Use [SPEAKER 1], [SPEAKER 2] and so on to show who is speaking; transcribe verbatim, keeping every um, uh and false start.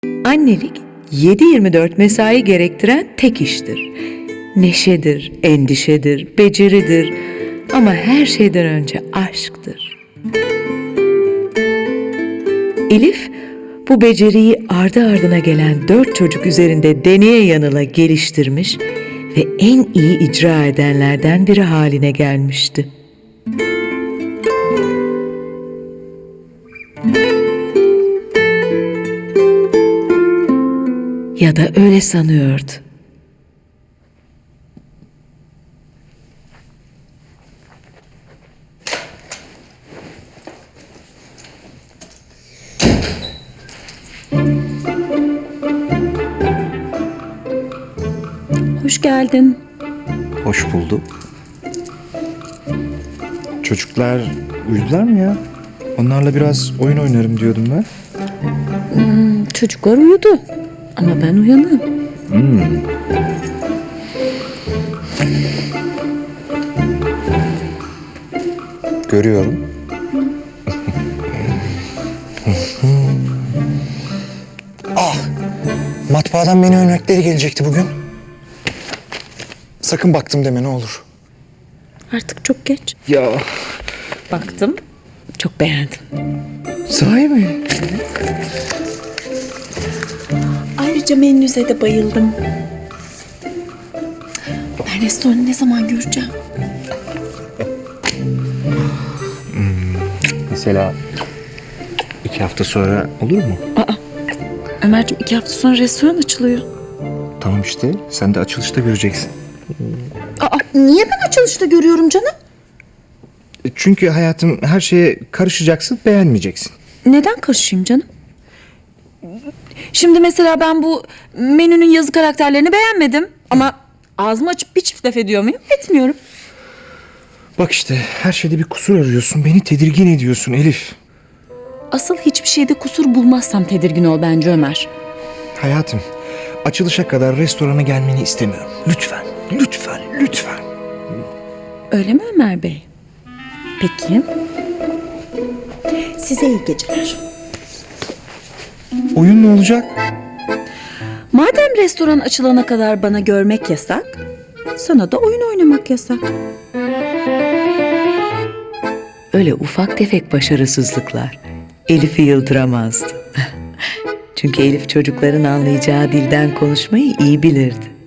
[SPEAKER 1] Annelik yedi yirmi dört mesai gerektiren tek iştir. Neşedir, endişedir, beceridir ama her şeyden önce aşktır. Elif bu beceriyi ardı ardına gelen dört çocuk üzerinde deneye yanıla geliştirmiş ve en iyi icra edenlerden biri haline gelmişti. Ya da öyle sanıyordu.
[SPEAKER 2] Hoş geldin.
[SPEAKER 3] Hoş bulduk. Çocuklar uyudular mı ya? Onlarla biraz oyun oynarım diyordum ben.
[SPEAKER 2] Hmm, çocuklar uyudu. Ama ben uyanığım.
[SPEAKER 3] Hmm. Görüyorum. Ah! Matbaadan menü örnekleri gelecekti bugün. Sakın baktım deme ne olur.
[SPEAKER 2] Artık çok geç.
[SPEAKER 3] Ya
[SPEAKER 2] Baktım. Çok beğendim.
[SPEAKER 3] sahi mi?
[SPEAKER 2] Ayrıca menünüze de bayıldım. Ben restoranı ne zaman göreceğim?
[SPEAKER 3] Mesela iki hafta sonra olur mu?
[SPEAKER 2] Aa, Ömerciğim iki hafta sonra restoran açılıyor.
[SPEAKER 3] Tamam işte sen de açılışta göreceksin.
[SPEAKER 2] Aa, niye ben açılışta görüyorum canım?
[SPEAKER 3] Çünkü hayatım her şeye karışacaksın, beğenmeyeceksin.
[SPEAKER 2] Neden karışayım canım? Şimdi mesela ben bu menünün yazı karakterlerini beğenmedim. Ama ağzımı açıp bir çift laf ediyor muyum? Etmiyorum.
[SPEAKER 3] Bak işte her şeyde bir kusur arıyorsun, beni tedirgin ediyorsun Elif.
[SPEAKER 2] Asıl hiçbir şeyde kusur bulmazsam tedirgin ol bence Ömer.
[SPEAKER 3] Hayatım, açılışa kadar restorana gelmeni istemiyorum. Lütfen, lütfen, lütfen.
[SPEAKER 2] Öyle mi Ömer Bey? Peki. Size iyi geceler.
[SPEAKER 3] Oyun ne olacak?
[SPEAKER 2] Madem restoran açılana kadar bana görmek yasak, sana da oyun oynamak yasak.
[SPEAKER 1] Öyle ufak tefek başarısızlıklar Elif'i yıldıramazdı. Çünkü Elif çocukların anlayacağı dilden konuşmayı iyi bilirdi.